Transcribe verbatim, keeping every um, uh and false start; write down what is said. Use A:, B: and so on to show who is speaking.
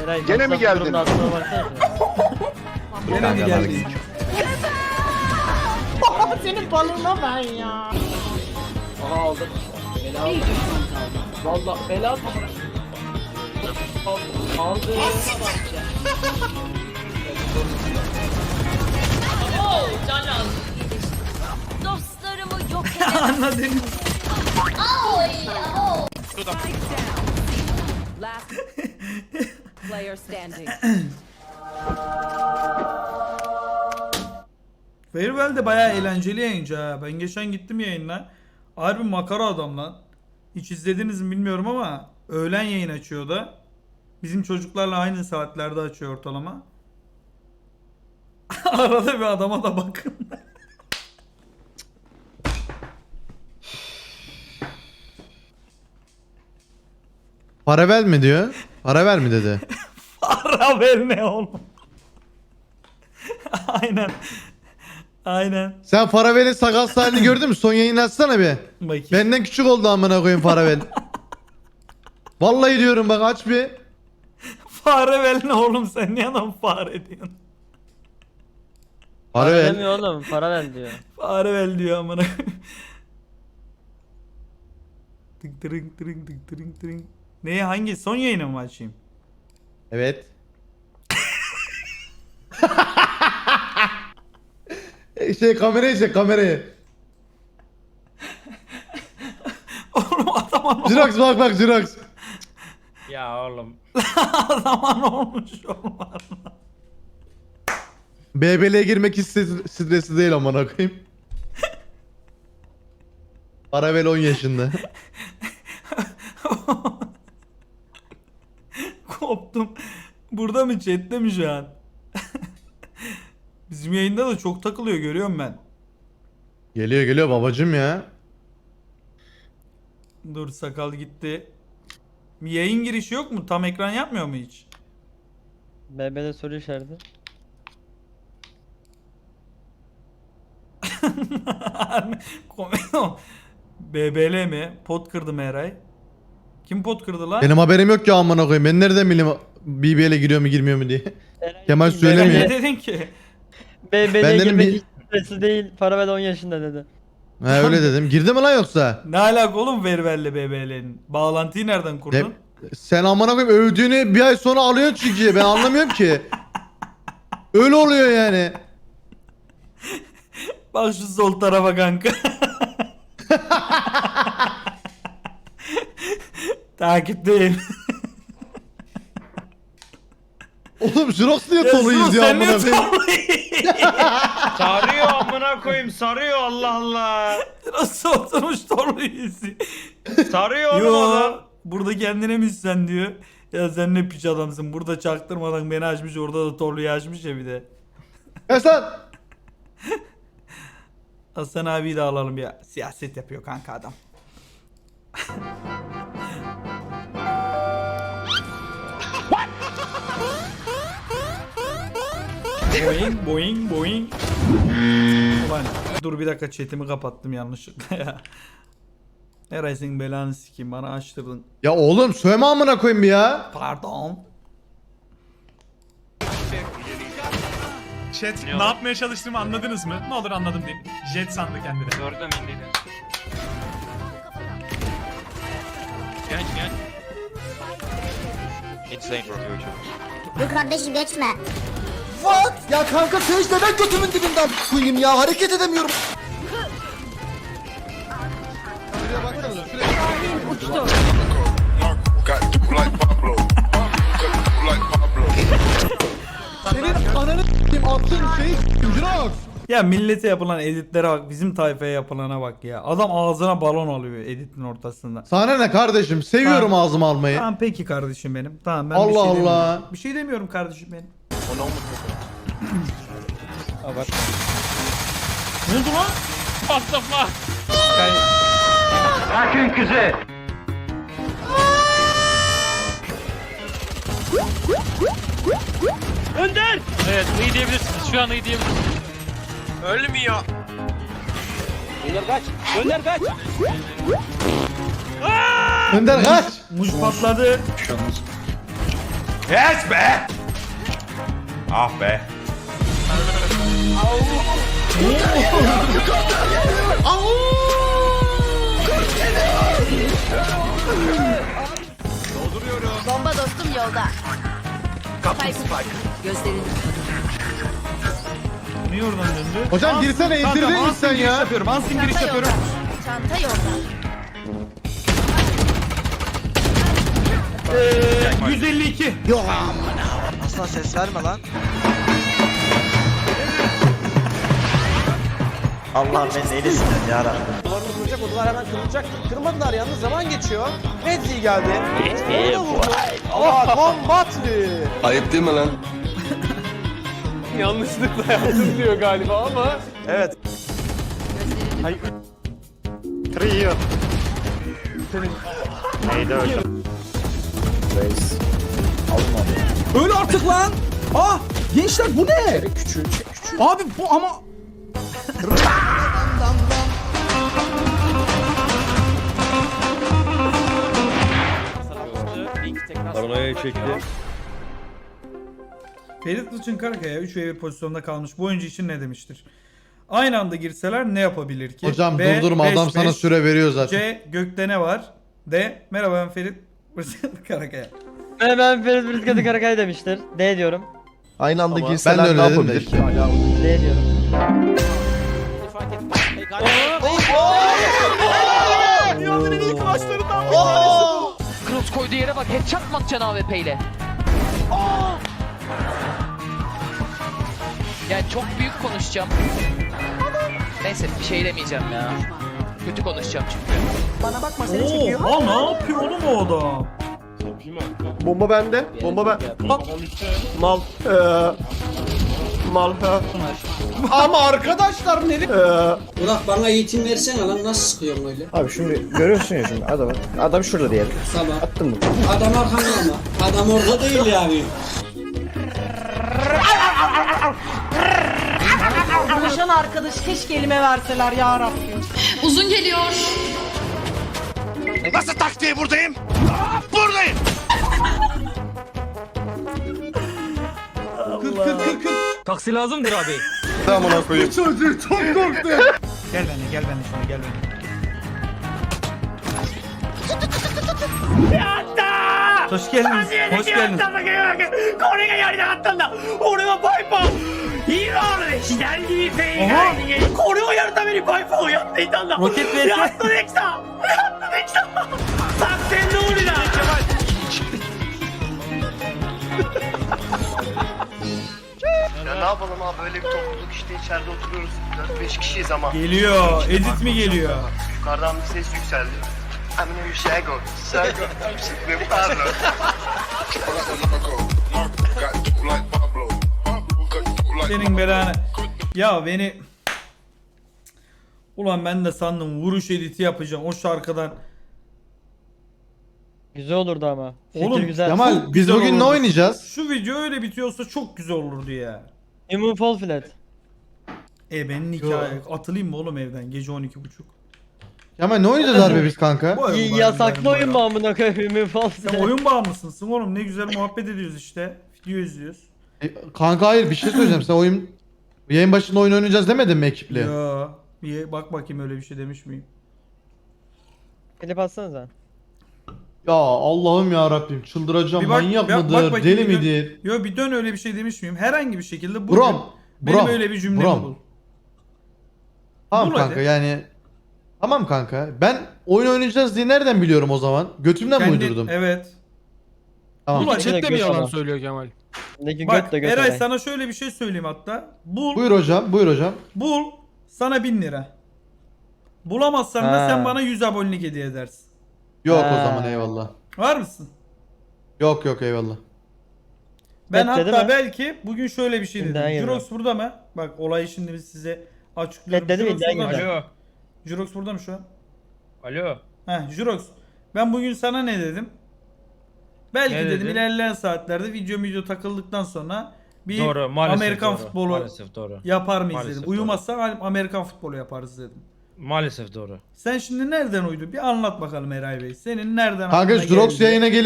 A: Eray,
B: Gene mi
A: WhatsApp
B: geldin?
A: grubuna aslına baksana.
C: Gene mi geldin?
D: Senin balığına ben ya.
E: Aha aldım. Bela aldım. Valla bela aldım. Aldım.
F: Dostlarımı yok edemem.
C: Anladın.
F: Last player standing.
C: Farewell de bayağı eğlenceli yayıncı ha. Ben geçen gittim yayınla. Harbi makara adam lan. Hiç izlediniz mi bilmiyorum ama öğlen yayın açıyor da. Bizim çocuklarla aynı saatlerde açıyor ortalama. Arada bir adama da bakın.
G: Para ver mi diyor? Para ver mi dedi.
C: Para ver ne oğlum? Aynen. Aynen.
G: Sen Faravel'in sakal halini gördün mü? Son yayını açsana bir.
C: Bakayım.
G: Benden küçük oldu amına koyayım Faravel. Vallahi diyorum bak aç bir.
C: Fare ver ne oğlum, sen niye adam fare diyorsun?
A: Para
G: Faravel.
A: demiyor oğlum, para ver diyor.
C: Fare ver diyor amına. Tık tırıng tırıng tık tırıng tırıng. Neye, hangi son yayını mı açayım?
G: Evet. şey kamerayı çek kamerayı.
C: Oğlum adama ne olmuş?
G: Jirox bak bak Jirox.
A: Ya oğlum.
C: Adama ne olmuş oğlum?
G: B B L'ye girmek hiç stres- stresli değil amına koyayım. Faravel on yaşında.
C: Koptum. Burada mı, chatte mi şu an? Bizim yayında da çok takılıyor, görüyorum ben.
G: Geliyor geliyor babacım ya.
C: Dur, sakal gitti. Bir yayın girişi yok mu? Tam ekran yapmıyor mu hiç?
A: B B'de soru işareti.
C: Komedi o. B B L mi? Pot kırdı mı Eray? Kim pot kırdı lan?
G: Benim haberim yok ki amına koyayım. Ben nereden bileyim B B L'ye giriyor mu girmiyor mu diye. Kemal
C: Eray,
G: söylemiyor.
C: ne dedin ki?
A: B
G: Ben
A: B'de
G: dedim
A: girmek
G: bir-
A: hiç stresli değil. Para ver on yaşında dedi.
G: Ha öyle dedim. Girdi mi lan yoksa?
C: Ne alaka oğlum Vervel'le B B L'nin? Bağlantıyı nereden kurdun?
G: De- sen amına koyayım övdüğünü bir ay sonra alıyorsun çünkü ben anlamıyorum ki. Öyle oluyor yani.
C: Bak şu sol tarafa kanka. Takipteyim.
G: Oğlum Jirox niye
C: Ya
G: toluyuz
C: Sus,
G: ya
C: sen
G: amına
C: niye
G: koyayım.
H: Sarıyor amına koyayım sarıyor Allah Allah.
C: Nasıl oturmuş torlu yüzü?
H: Sarıyor oğlum
C: Yo,
H: adam.
C: burada kendine mi sen diyor. Ya sen ne piç adamsın. Burada çaktırmadan beni açmış, orada da torluyu açmış ya bir de.
G: Kaç lan?
C: Hasan abiyi de alalım ya. Siyaset yapıyor kanka adam. Boing boing boing. Ulan dur bir dakika, chatimi kapattım yanlışlıkla ya. Eray senin belanı sikeyim, bana açtırdın.
G: Ya oğlum söyleme amına koyayım bir ya.
C: Pardon.
I: Jet ne yapmaya çalıştığımı anladınız mı? Ne olur anladım deyin. Jet sandı kendini.
H: Gördüm indiydi. Gel gel. Insane bro.
F: Dur kardeşim geçme.
D: What? Ya kanka Sage neden götümün dibinden koyayım ya? Hareket edemiyorum.
G: Senin ananı s**eyim attığın şeyi s**eyim Jirox.
C: Ya millete yapılan editlere bak, bizim tayfaya yapılana bak ya. Adam ağzına balon alıyor editin ortasında.
G: Sana ne kardeşim seviyorum
C: Tamam.
G: ağzıma almayı.
C: Tamam peki kardeşim benim. Tamam ben bir
G: Allah
C: şey
G: Allah.
C: demiyorum. Bir şey demiyorum kardeşim benim.
A: Abart.
C: Ne oldu lan?
H: What the fuck?
B: Sakin kızı.
H: Önder! Evet iyi diyebilirsiniz. Şu an iyi diyebilirsiniz. Ölmüyor.
E: Önder kaç. Önder kaç.
G: Önder kaç.
C: Muş patladı.
I: Yes be! Ah be.
F: Bomba dostum yolda.
I: Kapı spike.
F: Gözlerini
C: Niye oradan döndü?
G: Hocam girsene indirdin mi sen ya?
I: yapıyorum. Ansın giriş
F: çanta
I: yapıyorum.
F: yolda. Çanta yolda.
C: yüz elli iki.
D: Aslan ses verme lan. Allah ben neylesin ya Rabbim.
B: Duvarını kıracak, odalar hemen kırılacak. Kırmadılar yalnız, zaman geçiyor. Redzi geldi. Onu da vurdu. Aa, kombatli.
D: Ayıp değil mi lan?
B: Yanlışlıkla yaptım diyor galiba ama. Evet. Hayır. Trio. Neydi öyle? Reis. Alma.
D: Öl artık lan. Ah gençler bu ne?
B: Küçüğü çek, küçüğü.
D: Abi bu ama...
B: Paranoya çekti.
C: Ferit Kılıç'ın Karakaya üç ve bir pozisyonda kalmış bu oyuncu için ne demiştir? Aynı anda girseler ne yapabilir ki?
G: Hocam
C: B,
G: durdurma
C: beş,
G: adam sana
C: beş.
G: süre veriyor zaten.
C: C. Gökte ne var? D. Merhaba ben Ferit Karakaya.
A: Ben, ben Ferit Brizgat'ı Karakay demiştir. D diyorum.
D: Aynı anda
G: Ben de
D: girseler
G: öyle
D: ne
G: dedim de
D: yapabilir?
G: işte.
A: D diyorum.
B: Dünyanın en iyi kılaçlarından bir tanesi bu.
E: Cross koyduğu yere bak. Headshot mı atacaksın A W P ile? Yani çok büyük konuşacağım. Neyse bir şey demeyeceğim ya. Kötü konuşacağım çünkü.
B: Bana bakma seni çekiyor.
C: Oha ne yapıyor oğlum o adam?
B: Bomba bende. Bomba ben. Bak. Mal. Ee, mal. Ha. Ama arkadaşlar ne?
J: Burak bana eğitim versene lan nasıl sıkıyorsun öyle?
B: Abi şimdi görüyorsun ya şimdi adamı. Adam şurada diyelim.
J: Tamam.
B: Attın mı?
J: Adam arkanda ama. Adam orada değil yani.
F: Konuşan arkadaş keşke elime verseler ya Rabbim. Uzun geliyor.
I: Nasıl taktiği buradayım? Buradayım.
C: Kırk kırk kırk kırk.
H: Taksi lazımdır abi.
I: Tamam ona koyayım.
C: Çocuğu çok korktu. Gel benimle gel benimle şuna gel benimle. Hoş geldiniz. Hoş geldiniz. Aha. Roket vs.
B: Ya ne yapalım abi böyle bir topluluk işte içeride oturuyoruz. dört beş kişiyiz ama.
C: Geliyor. Edit mi geliyor?
B: Yukarıdan bir ses yükseldi. Amine bir şey go. Şey go. Ne pardon.
C: Senin belanı. Ya beni... Ulan ben de sandım vuruş editi yapacağım o şarkıdan.
A: Güzel olurdu ama. Fikir
C: Oğlum,
A: güzel.
C: Çok
G: Kemal biz
C: güzel
G: bugün ne
C: olurdu.
G: oynayacağız?
C: Şu video öyle bitiyorsa çok güzel olurdu ya.
A: Human Fall Flat.
C: E benim hikaye. Atılayım mı oğlum evden gece on iki buçuk.
G: Kemal ne oynayacağız harbi biz kanka?
C: Bu oyun
A: Y-
C: var,
A: Yasaklı
C: benim
A: oyun mu
C: bayram.
A: amına koyayım Human Fall
C: Sen
A: Flat.
C: oyun bağımlısın oğlum ne güzel muhabbet ediyoruz işte. Video izliyoruz.
G: E, Kanka hayır bir şey söyleyeceğim. Sen oyun yayın başında oyun oynayacağız demedin mi ekiple?
C: Ya bir bak bakayım öyle bir şey demiş miyim?
A: Klip atsanıza.
G: Ya Allah'ım ya Rabbim çıldıracağım.
C: Bir bak-
G: Manyak
C: bir bak
G: mıdır?
C: bakayım,
G: Deli
C: bir dön-
G: midir?
C: Yo bir dön öyle bir şey demiş miyim? Herhangi bir şekilde bugün
G: Brom.
C: benim
G: Brom.
C: öyle bir cümlemi
G: Brom.
C: bul.
G: Tamam
C: Bul
G: kanka
C: hadi.
G: yani. Tamam kanka. Ben oyun oynayacağız diye nereden biliyorum o zaman? Götümden mi
C: Kendi-
G: uydurdum?
C: Evet.
G: Tamam.
C: Bul hadi.
A: İçine
H: Chatte mi
A: göt
H: yalan
A: adam.
H: söylüyor Kemal?
A: Ne ki
C: Bak
A: göt de göt
C: Eray
A: olay.
C: sana şöyle bir şey söyleyeyim hatta. Bul,
G: Buyur hocam, buyur hocam.
C: bul sana bin lira. Bulamazsan da
A: Ha.
C: sen bana yüz abonelik hediye edersin.
G: Yok o
A: Ha.
G: zaman eyvallah.
C: Var mısın?
G: Yok yok eyvallah.
C: Ben
A: Bet dedi
C: hatta
A: mi?
C: belki bugün şöyle bir şey
A: Şimdi
C: dedim.
A: hayır
C: Jurox burada mı? Bak olayı şimdi biz size açıklıyorum.
A: Bet dedi mi?
C: Jurox
A: İddiaya
C: burada mı?
A: girdi.
H: Alo.
C: Jurox burada mı şu an?
H: Alo.
C: Heh Jurox. Ben bugün sana ne dedim? Belki
H: Ne
C: dedim
H: dedin?
C: ilerleyen saatlerde video video takıldıktan sonra bir
H: Doğru, maalesef
C: Amerikan
H: doğru.
C: futbolu
H: Maalesef doğru.
C: yapar mıyız
H: Maalesef
C: dedim.
H: doğru.
C: Uyumazsan Amerikan futbolu yaparız dedim.
H: Maalesef doğru.
C: Sen şimdi nereden uydun? Bir anlat bakalım Eray Bey. Senin nereden
G: Kanka
C: aklına
G: Jurox
C: geldi?
G: yayına gelip